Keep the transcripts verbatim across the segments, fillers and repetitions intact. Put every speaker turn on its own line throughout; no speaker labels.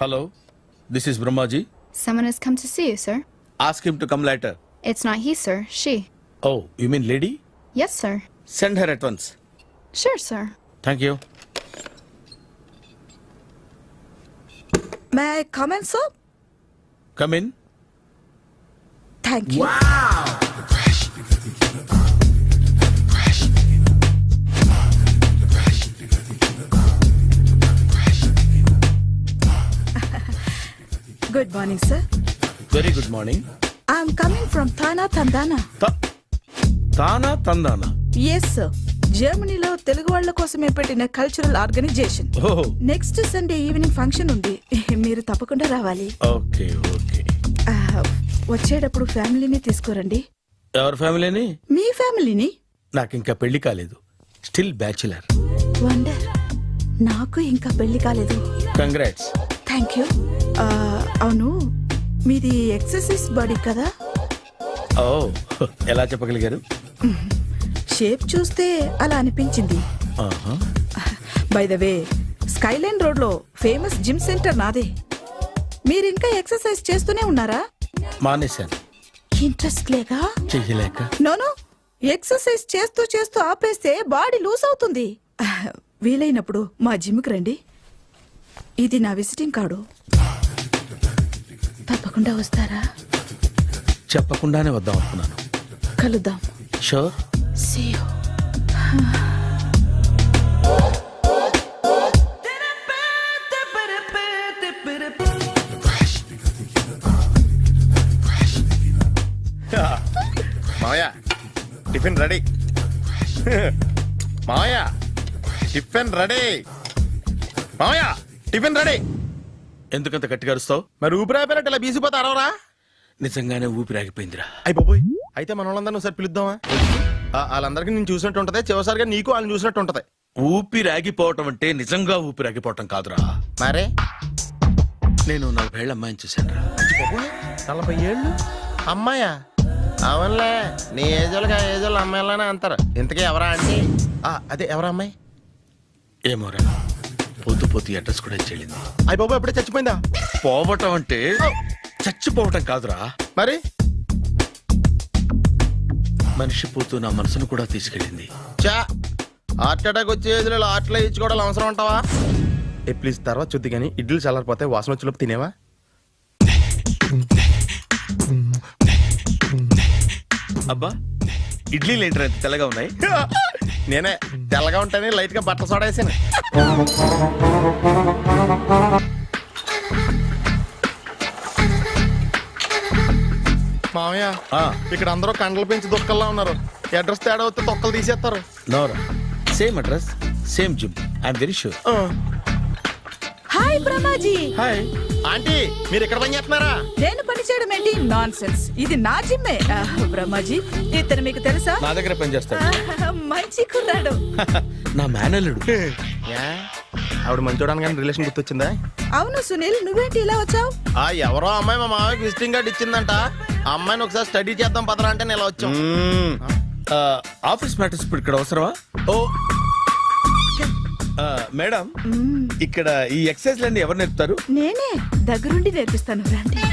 Hello, this is Brahmaji.
Someone has come to see you, sir.
Ask him to come later.
It's not he, sir. She.
Oh, you mean lady?
Yes, sir.
Send her at once.
Sure, sir.
Thank you.
May I come in, sir?
Come in.
Thank you. Good morning, sir.
Very good morning.
I'm coming from Thana, Tandana.
Ta- Tana Tandana.
Yes, sir. జర్మనీలో తెలుగు వాళ్ళ కోసమే పెట్టిన cultural organisation.
Oh,
next Sunday evening function ఉంది, మీరు తప్పకుండా రావాలి.
okay, okay.
ఆ, వచ్చేటప్పుడు ఫ్యామిలీని తీసుకురండి.
ఎవరి ఫ్యామిలీని?
మీ ఫ్యామిలీని.
నాకు ఇంకా పెళ్లి కాలేదు. Still bachelor.
వండర్. నాకు ఇంకా పెళ్లి కాలేదు.
కంగ్రాట్స్.
Thank you. అవును, మీది ఎక్సర్సైజ్ బాడీ కదా?
ఓ, ఎలా చెప్పగలిగారు?
షేప్ చూస్తే అలా అనిపించింది.
ఆహా.
By the way, skyline road లో ఫేమస్ జిమ్ సెంటర్ నాదే. మీరు ఇంకా ఎక్సర్సైజ్ చేస్తూనే ఉన్నారా?
మానేశాను.
ఇంట్రెస్ట్ లేక?
చెయ్యలేక.
నోను, ఎక్సర్సైజ్ చేస్తూ చేస్తూ ఆపేస్తే బాడీ లూజ్ అవుతుంది. వీలైనప్పుడు మా జిమ్కి రండి. ఇది నా విజిటింగ్ కార్డు. తప్పకుండా వస్తారా?
చెప్పకుండానే వద్దాం అనుకున్నాను.
కలుద్దాం.
షూర్.
See you.
మావయ్య టిఫిన్ రెడీ. మావయ్య టిఫిన్ రెడీ. మావయ్య టిఫిన్ రెడీ.
ఎందుకంత గట్టిగా అరుస్తావు?
మరి ఊపిరి అయిపోయినట్టు ఇలా బీసిపోతే అరవరా?
నిజంగానే ఊపిరాగిపోయిందిరా.
అయిపోయి అయితే మన వాళ్ళందరినీ ఒకసారి పిలుద్దామా? ఆ, వాళ్ళందరికీ నేను చూసినట్టు ఉంటది, చివరిసారిగా నీకు వాళ్ళని చూసినట్టు ఉంటది.
ఊపిరాగిపోవటం అంటే నిజంగా ఊపిరాగిపోవటం కాదురా.
మరే
నేను నలభై ఏళ్ళ అమ్మాయిని చూశాను రా.
నలభై ఏళ్ళు అమ్మాయా? అవునులే, నీ ఏజ్ వాళ్ళకి ఆ ఏజ్ వాళ్ళు అమ్మాయిలానే అంటారు. ఇంతకీ ఎవరా అంటే? అదే ఎవరా అమ్మాయి?
ఏమోరా, పోతూ పోతూ అడ్రస్ కూడా చెల్లింది.
అయ్యి బాబు ఎప్పుడే చచ్చిపోయిందా?
పోవటం అంటే చచ్చిపోవటం కాదురా,
మరి
మనిషి పోతూ నా మనసును కూడా తీసుకెళ్ళింది.
చా హార్ట్ అటాక్ వచ్చే ఏజ్లో హార్ట్లో ఇచ్చుకోవడం అవసరం ఉంటావా? ఏ ప్లీజ్ తర్వాత చూద్ది కానీ ఇడ్లీ చల్లారిపోతే వాసన వచ్చేలోపు తినేవా?
అబ్బా, ఇడ్లీలు ఏంటి అంత తెల్లగా ఉన్నాయి?
నేనే తెల్లగా ఉంటానే లైట్ గా బట్టలు సోడా వేసాను. మామయ్య, ఇక్కడ అందరూ కండలు పెంచి దుక్కల్లా ఉన్నారు. అడ్రస్ తేడా వస్తే తొక్కలు తీసేస్తారు.
నోరా, same address, same gym. I'm very sure.
Hi Brahmaji.
Hi
aunty, మీరు ఇక్కడ పని చేస్తున్నారా?
నేను పని చేయడం ఏంటి? Nonsense. ఇది నా జిమ్మే. బ్రహ్మాజీ, ఇతను మీకు తెలుసా?
నా దగ్గర పని చేస్తాడు.
మంచి కుర్రాడు.
నా మేనల్లుడు.
ఆవిడ మంచోడానికి కానీ రిలేషన్ గుర్తొచ్చిందా?
అవును సునీల్, నువ్వేంటి ఇలా వచ్చావు?
ఆ ఎవరో అమ్మాయి మా మామయ్యకి విజిటింగ్ కార్డ్ ఇచ్చిందంట. ఆ అమ్మాయిని ఒకసారి స్టడీ చేద్దాం పదరా అంటే నేను ఇలా వచ్చాం.
ఆఫీస్ మ్యాటర్స్ ఇప్పుడు ఇక్కడ అవసరమా? ఓ మేడం, ఇక్కడ ఈ ఎక్సర్సైజ్ లన్నీ ఎవరు నేర్పుతారు?
నేనే దగ్గరుండి నేర్పిస్తాను, రండి.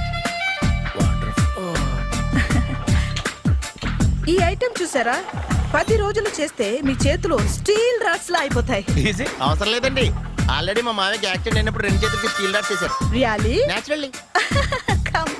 ఈ ఐటెం చూసారా? పది రోజులు చేస్తే మీ చేతులు స్టీల్ రాట్స్ లా అయిపోతాయి.
అవసరం లేదండి, ఆల్రెడీ మా మామయ్యకి యాక్సిడెంట్ అయినప్పుడు రెండు చేతులకి స్టీల్ డాట్ చేశారు.
రియల్లీ?
నేచురల్లీ.
కమ్.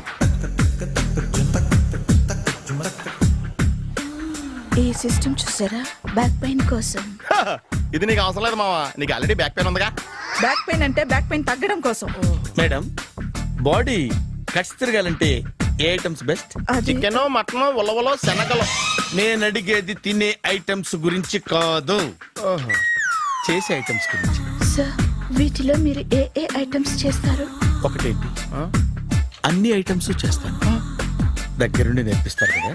ఈ సిస్టమ్ చూసారా? బ్యాక్ పెయిన్ కోసం.
ఇది నీకు అవసరం లేదు మావా, నీకు ఆల్రెడీ బ్యాక్ పెయిన్ ఉందిగా.
బ్యాక్ పెయిన్ అంటే బ్యాక్ పెయిన్ తగ్గడం కోసం.
మేడం, బాడీ కట్స్ తిరగాలంటే ఏ ఐటమ్స్ బెస్ట్?
చికెన్, మటన్, ఉలవలో, శనగలు.
నేను అడిగేది తినే ఐటమ్స్ గురించి కాదు, చేసే ఐటమ్స్ గురించి.
సార్, వీటిలో మీరు ఏ ఏ ఐటమ్స్ చేస్తారు?
ఒకటేంటి, అన్ని ఐటమ్స్ చేస్తాను. దగ్గరుండి నేర్పిస్తారు కదా.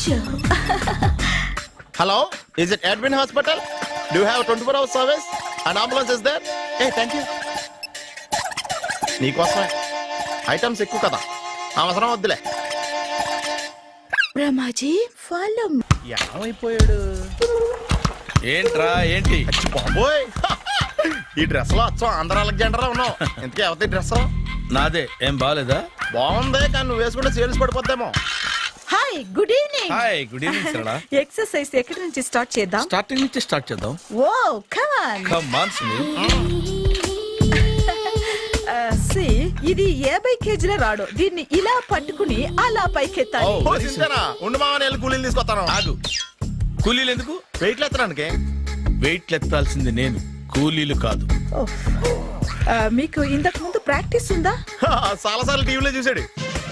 Hello, is it admin hospital? Do you have twenty four hours service and ambulance is there? ఏ థ్యాంక్ యూ. నీకోసమే ఐటమ్స్ ఎక్కువ కదా, అవసరం వద్దులే.
బ్రహ్మాజీ, ఫాలో.
ఏమైపోయాడు
ఏంట్రా ఏంటి?
బాబోయ్, ఈ డ్రెస్ లో వచ్చాం ఆంధ్ర అలెగ్జాండర్ ఉన్నావు. ఇంతకీ అవతీ డ్రెస్
నాదే ఏం బాగాలేదా?
బాగుంది, కానీ నువ్వు వేసుకుంటే సేల్స్ పడిపోద్దేమో.
Hi good evening.
Hi good evening Sarala.
Exercise ఎక్కడి నుంచి స్టార్ట్ చేద్దాం?
స్టార్టింగ్ నుంచి స్టార్ట్ చేద్దాం.
Oh come on.
Come on Sunil.
సి ఇది యాభై కేజీల రాడు. దీన్ని ఇలా పట్టుకుని అలా పైకెత్తాలి.
Oh.
ఓ, సింతేనా? ఉండు మామ, నేను వెళ్ళి కూలీలు తీసుకొస్తాను.
ఆగు. కూలీలు ఎందుకు?
వెయిట్లు ఎత్తడానికి.
వెయిట్ ఎత్తాల్సింది నేను, కూలీలు కాదు.
ఓహ్. ఆ, మీకు ఇంతకు ముందు ప్రాక్టీస్ ఉందా?
చాలా సార్లు టీవీలో చూసాడు.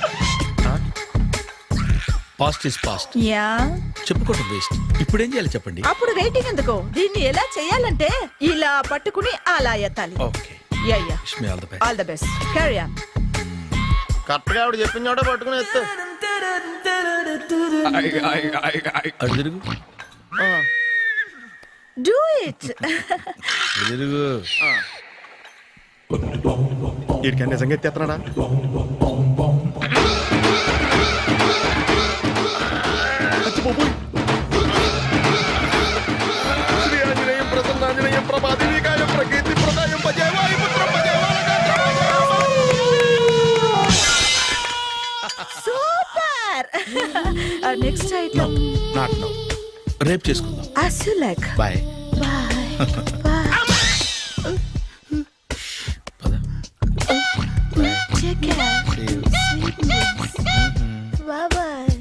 Past is past.
యా.
చెప్పుకోవటం వేస్ట్. ఇప్పుడు ఏం చేయాలి చెప్పండి.
అప్పుడు వెయిటింగ్ ఎందుకు? దీన్ని ఎలా చేయాలంటే ఇలా పట్టుకుని అలా ఎత్తాలి.
Okay.
Yeah yeah.
Wish me all the best.
All the best. Carry on.
Correct గా ఆవిడ చెప్పిన చోట పట్టుకుని ఎత్తు.
అటు తిరుగు.
Do it.
ఇటు తిరుగు.
వీడికి నిజంగా ఎత్తేస్తున్నాడా? శ్రీ ఆంజనేయం ప్రసన్నాంజనేయం ప్రభాదేవికాయం ప్రకీర్తి ప్రదాయం భజే వాయుపుత్రం భజే
super. Next item.
Not now. రేపు చేసుకుందాం.
As you like.
Bye.
Bye. Bye.
పద.
Take care.
See you.
Bye bye.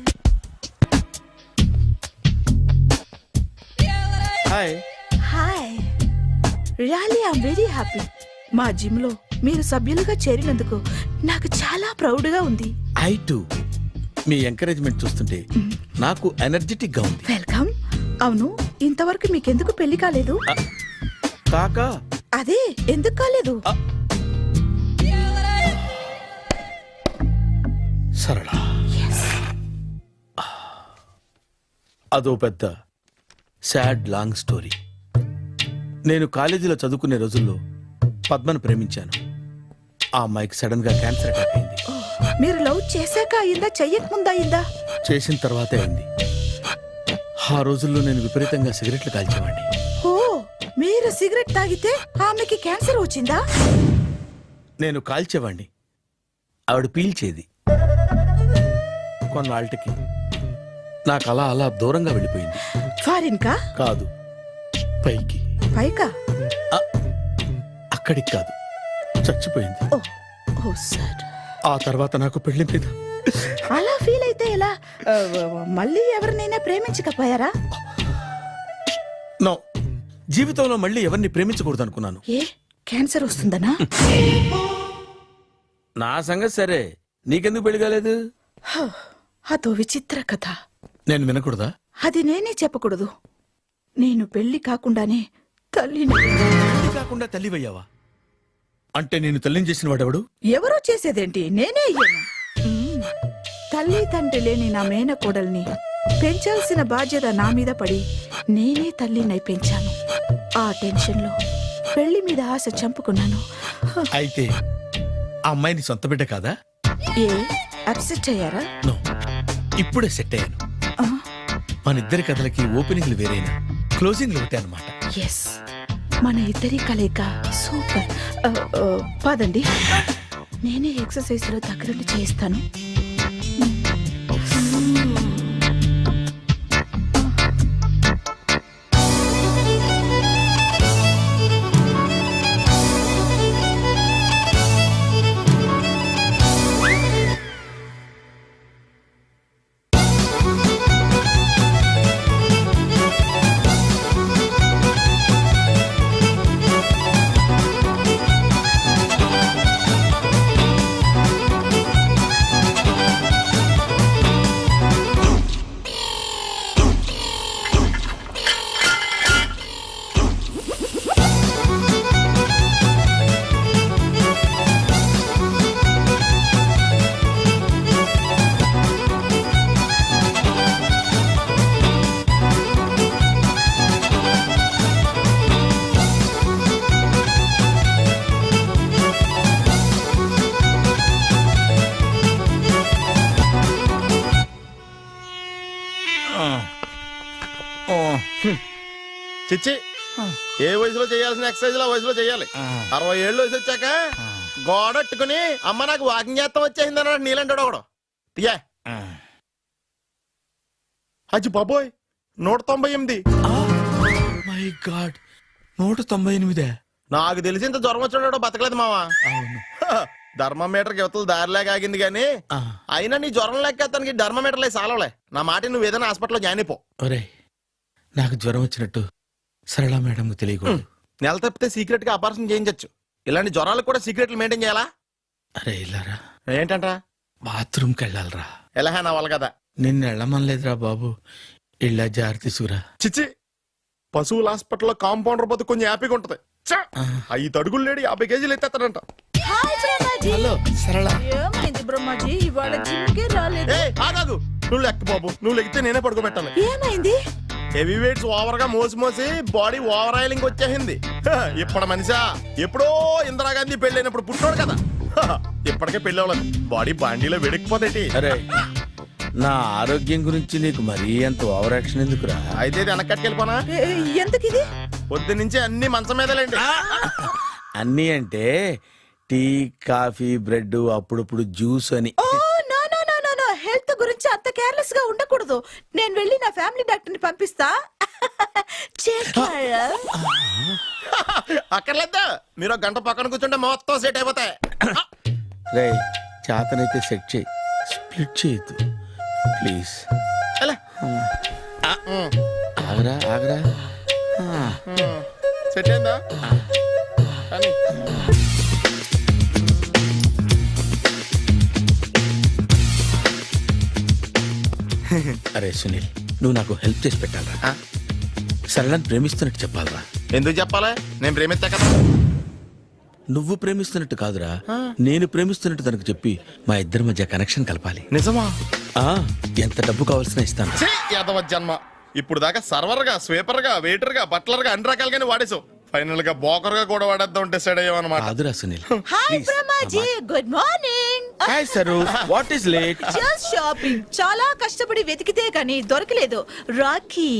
Hi.
Hi. Really I'm very happy. మా జిమ్ లో మీరు సభ్యులుగా చేరినందుకు నాకు చాలా ప్రౌడ్ గా ఉంది.
I to. మీ ఎంకరేజ్మెంట్ చూస్తుంటే నాకు ఎనర్జెటిక్ గా ఉంది.
వెల్కమ్. అవును, ఇంతవరకు మీకెందుకు పెళ్లి కాలేదు?
కాకా.
అదే ఎందుకు కాలేదు?
సరళ, అదో పెద్ద సాడ్ లాంగ్ స్టోరీ. నేను కాలేజీలో చదువుకునే రోజుల్లో పద్మను ప్రేమించాను. ఆ అమ్మాయికి సడన్ గా క్యాన్సర్ అటాక్ అయింది.
మీరు లవ్ చేశాక అయిందా, చెయ్యక ముందా అయిందా?
చేసిన తర్వాతే అయింది. ఆ రోజుల్లో నేను విపరీతంగా సిగరెట్లు కాల్చేవాడిని.
ఓ, మీరు సిగరెట్ తాగితే ఆమెకి క్యాన్సర్ వచ్చిందా?
నేను కాల్చేవాణ్ణి, ఆవిడ పీల్చేది. కొన్నాళ్ళకి నాకు అలా అలా దూరంగా వెళ్ళిపోయింది.
ఫారిన్ కా?
కాదు, పైకి.
పైకా?
ఆ, అక్కడికి కాదు, చచ్చిపోయింది.
ఓ ఓ సార్.
ఆ తర్వాత నాకు పెళ్లి మీద
అలా ఫీల్ అయితే ఎలా? ఆ, మళ్ళీ ఎవరినైనా ప్రేమించకపోయారా?
నో, జీవితంలో మళ్ళీ ఎవరిని ప్రేమించకూడదు అనుకున్నాను.
ఏ, క్యాన్సర్ వస్తుందనా?
నా సంగతి సరే, నీకెందుకు పెళ్లి కాలేదు?
హ, అదో విచిత్ర కథ.
నేను వినకూడదా?
అది నేనే చెప్పకూడదు. నేను పెళ్లి కాకుండానే తల్లిని.
పెళ్లి కాకుండా తల్లివయ్యావా? అంటే నేను తల్లిని చేసిన వాడెవడు?
ఎవరో చేసేదేంటి, నేనే అయ్యాను. మ్మ్. తల్లి తండ్రి లేని నా మేనకోడల్ని పెంచాల్సిన బాధ్యత నా మీద పడి నేనే తల్లినై పెంచాను. ఆ టెన్షన్లో పెళ్లి మీద ఆశ చంపుకున్నాను. హ,
అయితే ఆ అమ్మాయిని సొంత బిడ్డ కాదా?
ఏ అప్సెట్ అయ్యారా?
నో, ఇప్పుడే సెట్ అయ్యాను.
ఆ,
మన ఇద్దరి కథలకి ఓపెనింగ్లు వేరైనా క్లోజింగ్లు ఒకటే అనమాట.
ఎస్, మన ఇద్దరి కలయిక సూపర్. ఆ, ఆ, పదండి, నేనే ఎక్సర్సైజ్ లో దగ్గరుండి చేయిస్తాను.
చిచ్చి ఏ వయసులో చేయాల్సిన ఎక్సర్సైజ్ ఆ వయసులో చేయాలి. అరవై ఏళ్ళు వయసు వచ్చాక గోడట్టుకుని అమ్మ నాకు వాకింగ్ చేస్తాం వచ్చేసింది అన్నాడు నీలంటాడు ఒకడు. తీయా అచ్చి బాబోయ్ నూట తొంభై ఎనిమిది.
మై గాడ్, నూట తొంభై ఎనిమిదే.
నాకు తెలిసి ఇంత జ్వరం వచ్చాడో బతకలేదు మావా.
అవును.
ధర్మమీటర్ యువతలు దారిలాగా ఆగింది గానీ
ఆ,
అయినా నీ జ్వరం లెక్క అతనికి ధర్మమీటర్లే సాలవలే. నా మాట నువ్వు ఏదైనా హాస్పిటల్లో జాయిన్ అయిపో.
ఒరేయ్, నాకు జ్వరం వచ్చినట్టు సరళ మేడంకు తెలియకూడదు.
నెల తప్పితే సీక్రెట్ గా ఆపరేషన్ చేయించచ్చు. ఇలాంటి జ్వరాలకు కూడా సీక్రెట్లు మెయింటైన్ చేయాలా?
అరే ఇల్లారా,
ఏంటంట?
బాత్రూమ్కి వెళ్ళాలరా.
ఎలాహే నా వాళ్ళ కదా.
నిన్ను వెళ్ళమనలేదురా బాబు, ఇళ్ళ జారి తీసుకురా.
చిచ్చి, పశువుల హాస్పిటల్లో కాంపౌండర్ బతు కొంచెం హ్యాపీగా ఉంటది. చ్చ!
ఆ.
ఐదు అడుగులు లేడి యాభై కేజీలు ఎత్తేస్తాడంట.
హాయ్ బ్రహ్మాజీ.
హలో సరళ.
ఏమైంది బ్రహ్మాజీ, ఇవాళ జిమ్కే రాలేదు?
ఏ ఆగాగు, నువ్వు లెక్క బాబు, నువ్వు లెక్కితే నేనే పడుకోబెట్టాలి.
ఏమైంది?
హెవీ వెయిట్స్ ఓవర్ గా మోసి మోసి బాడీ ఓవర్ ఆయిలింగ్ వచ్చేసింది. హ, ఇప్పుడు మనిషా ఎప్పుడో ఇందిరాగాంధీ పెళ్ళైనప్పుడు పుట్టినోడు కదా. హ, ఇప్పటికే పెళ్ళి అవ్వలేదు, బాడీ బాండీలో వెడికిపోతేటి.
అరే, నా ఆరోగ్యం గురించి నీకు మరీ అంత ఓవర్ యాక్షన్ ఎందుకురా?
అయితే ఇది వెనకట్టుకెళ్ళిపోనా?
ఏ, ఎందుకు ఇది?
పొద్దు నుంచి అన్ని మంచం మీదలేండి.
అన్నీ అంటే టీ, కాఫీ, బ్రెడ్, అప్పుడప్పుడు జ్యూస్ అని.
ఓ no no no no no, health గురించి అంత కేర్లెస్ గా ఉండకూడదు. నేను వెళ్ళి నా ఫ్యామిలీ డాక్టర్ ని పంపిస్తా. చేస్తారా?
అక్కర్లేదు, మీరు ఒక గంట పక్కన కూర్చుంటే మొత్తం సెట్ అయిపోతాయి.
రే, చేతనైతే సెట్ చేయి, స్ప్లిట్ చేయొద్దు ప్లీజ్.
ఎలా?
ఆగరా ఆగరా. ఆ,
సెట్ అయిందా? కానీ
అరే సునీల్, నువ్వు నాకు హెల్ప్ చేసి పెట్టాలరా.
ఆ?
సరళని ప్రేమిస్తున్నట్టు చెప్పాలరా.
ఎందుకు చెప్పాలి? నేను ప్రేమిస్తా కదా.
నువ్వు ప్రేమిస్తున్నట్టు కాదురా, నేను ప్రేమిస్తున్నట్టు తనకు చెప్పి మా ఇద్దరి మధ్య కనెక్షన్ కలపాలి.
నిజమా?
ఆ, ఎంత డబ్బు కావాల్సిన ఇస్తాను.
ఛీ, యాదవ జన్మ. ఇప్పుడు దాకా సర్వర్ గా, స్వీపర్ గా, వెయిటర్ గా, బట్లర్ గా అన్ని రకాలుగానే వాడేసావు. ఫైనల్ గా బోకర్ గా కూడా వాడేద్దాం డిసైడ్ అయ్యాం అనమాట.
కాదురా Sunil.
Hi Brahmaji, good morning.
Hi Saru, what is late?
Just shopping. చాలా కష్టపడి వెతికితే కానీ దొరకలేదు. రాఖీ.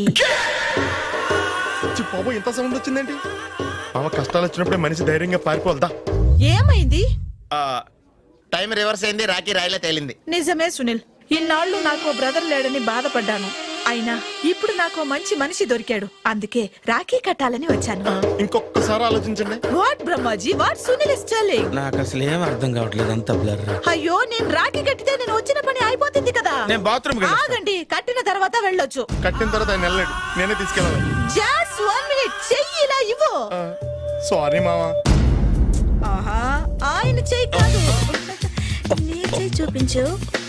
బాబు ఇంత సౌండ్ వచ్చిందేంటి? మామ కష్టాలు వచ్చినప్పుడే మనిషి ధైర్యంగా పారిపోవద్దా.
ఏమైంది?
టైం రివర్స్ అయింది, రాఖీ రాయిలా తేలింది.
నిజమే సునీల్, ఇన్నాళ్ళు నాకు బ్రదర్ లేడని బాధపడ్డాను. అయినా ఇప్పుడు నాకు మంచి మనిషి దొరికాడు. అందుకే రాఖీ కట్టాలని వచ్చాను.
ఇంకొకసారి ఆలోచించండి.
What Brahmaji, what Sunil is telling?
నాకు అసలు ఏం అర్థం కావట్లేదు, అంత బ్లర్.
అయ్యో, నేను రాఖీ కట్టితే నేను వచ్చిన పని అయిపోతుంది కదా.
నేను బాత్రూమ్
ఆగండి, కట్టిన తర్వాత వెళ్ళొచ్చు.
కట్టిన తర్వాత ఆయన వెళ్ళాడు, నేనే తీసుకెళ్ళాలి.
జస్ట్ వన్ మినిట్, చెయ్యి ఇలా ఇవ్వు.
సారీ మామా.
ఆహా, ఆయన చెయ్యి కాదు, నీ చెయ్యి చూపించు.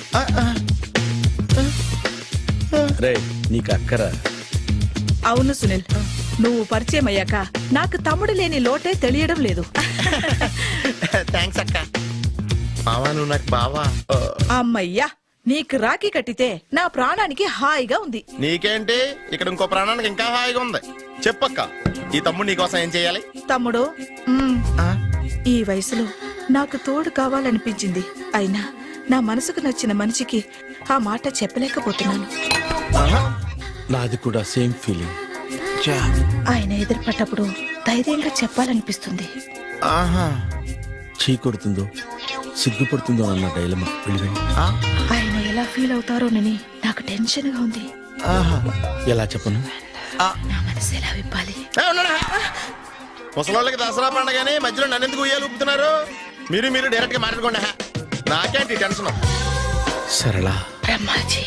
రే, నీకు అక్కరా?
అవును సునీల్, నువ్వు పరిచయం అయ్యాక నాకు తమ్ముడు లేని లోటే తెలియడం లేదు.
థ్యాంక్స్ అక్క. మామా నువ్వు నాకు బావా.
అమ్మయ్యా, నీకు రాఖీ కట్టితే నా ప్రాణానికి హాయిగా ఉంది.
నీకేంటి, ఇక్కడ ఇంకో ప్రాణానికి ఇంకా హాయిగా ఉంది. చెప్పక్క, ఈ తమ్ముడు నీకోసం ఏం చేయాలి?
తమ్ముడు, మ్మ్, ఈ వయసులో నాకు తోడు కావాలనిపించింది. అయినా నా మనసుకు నచ్చిన మనిషికి ఆ మాట చెప్పలేకపోతున్నాను.
నాది కూడా సేమ్ ఫీలింగ్.
ఆయన ఎదురుపడ్డప్పుడు ధైర్యంగా చెప్పాలనిపిస్తుంది.
ఆహా.
చీ కొడుతుందో సిగ్గుపడుతుందో అన్న డైలమా. వెళ్ళిపోయింది.
ఆయన ఎలా ఫీల్ అవుతారోనని నాకు టెన్షన్ గా ఉంది.
ఎలా చెప్పను?
నా మనసు ఎలా విప్పాలి?
ముసలోళ్ళకి దసరా పండగని మధ్యలో నన్ను ఎందుకు ఉయ్యాలు ఊపుతున్నారు? మీరు మీరు డైరెక్ట్ గా మాట్లాడుకోండి. నాకేంటి టెన్షన్?
సరళ,
బ్రహ్మాజీ,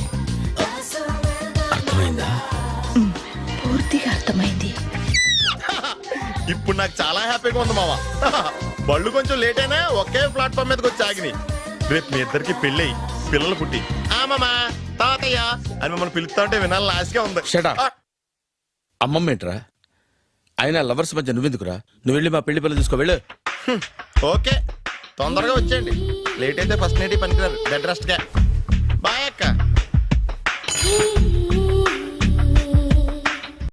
అర్థమైందా?
మ్మ్, పూర్తిగా అర్థమైంది.
ఇప్పుడు నాకు చాలా హ్యాపీగా ఉంది మావా. బళ్ళు కొంచెం లేట్ అయినా ఒకే ప్లాట్ఫామ్ మీదకి వచ్చి ఆగినాయి. రేపు మీ ఇద్దరికి పెళ్ళి పిల్లలు పుట్టి ఆమమ్మా తాతయ్య అని మమ్మల్ని పిలుస్తా ఉంటే వినాలని ఆశగా ఉంది.
Shut up. అమ్మమ్మ ఏంట్రా? అయినా లవర్స్ మధ్య నువ్వెందుకురా? నువ్వు వెళ్ళి మా పెళ్లి పిల్లలు చూసుకో, వెళ్ళు.
ఓకే, తొందరగా వచ్చేయండి. లేట్ అయితే ఫస్ట్ నైట్ పనికిరారు. బెడ్ రెస్ట్ గా. బాయ్ అక్క.